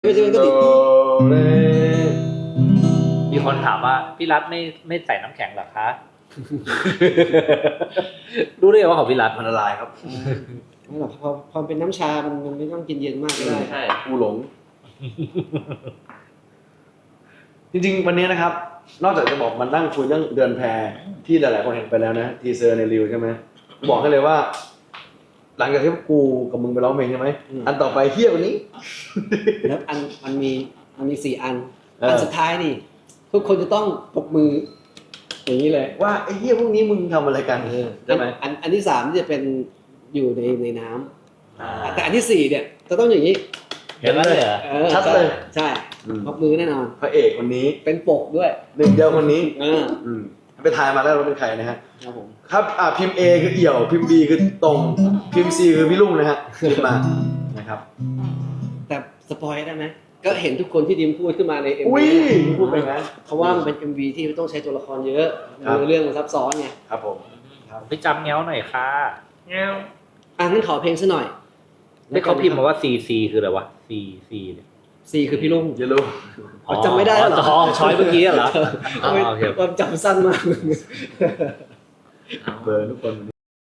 ก็จะเป็นก็ติดมีคนถามว่าพี่รัฐไม่ใส่น้ำแข็งเหรอคะ รู้ได้ไงว่าของพี่รัฐมันละลายครับไม่หรอกพอเป็นน้ำชา มันไม่ต้องกินเย็นมากก็ได้ใช่กูหลง จริงๆวันนี้นะครับ นอกจากจะบอกมันนั่งคุยเรื่องเดือนแพรที่หลายๆคนเห็นไปแล้วนะทีเซอร์ในรีวใช่ไหมบอกให้เลยว่า หลังจากที่กูกับมึงไปร้องเพลงใช่ไหมอันต่อไปเฮี้ยกว่านี้แล้วมันมี4 อันอันสุดท้ายนี่ทุกคนจะต้องปรบมืออย่างนี้เลยว่าไอ้เฮี้ยพวกนี้มึงทำอะไรกันใช่ไหมอันที่3นี่จะเป็นอยู่ในน้ำแต่อันที่4เนี่ยจะต้องอย่างนี้เห็นแล้วเลยเหรอชัดเลยใช่ปรบมือแน่นอนพระเอกคนนี้เป็นปกด้วยหนึ่งเดียวคนนี้อืมไปทายมาแล้วว่าเป็นใครนะฮะครับผมครับพิมพ์ A คือเอี่ยว พิมพ์ B คือตรง พิมพ์ C คือพี่ลุงนะฮะพิมพ์มานะครับแต่สปอยได้ไหมก็เห็นทุกคนที่ดิมพูดขึ้นมาใน MV อุ้ยพูดไปงั้นเพราะว่ามันเป็น MV ที่ต้องใช้ตัวละครเยอะครับเรื่องมันซับซ้อนไงครับผมไปจำเงี้ยวหน่อยค่ะเงี้ยวงั้นขอเพลงซะหน่อยได้เขาพิมพ์มาว่า CC คืออะไรวะ CC เนี่ย C คือพี่ลุงอย่ารู้จำไม่ได้เหรออ๋อช้อยเมื่อกี้เหรออ๋อโอเคความจำสั้นมากเบอร์ทุกคน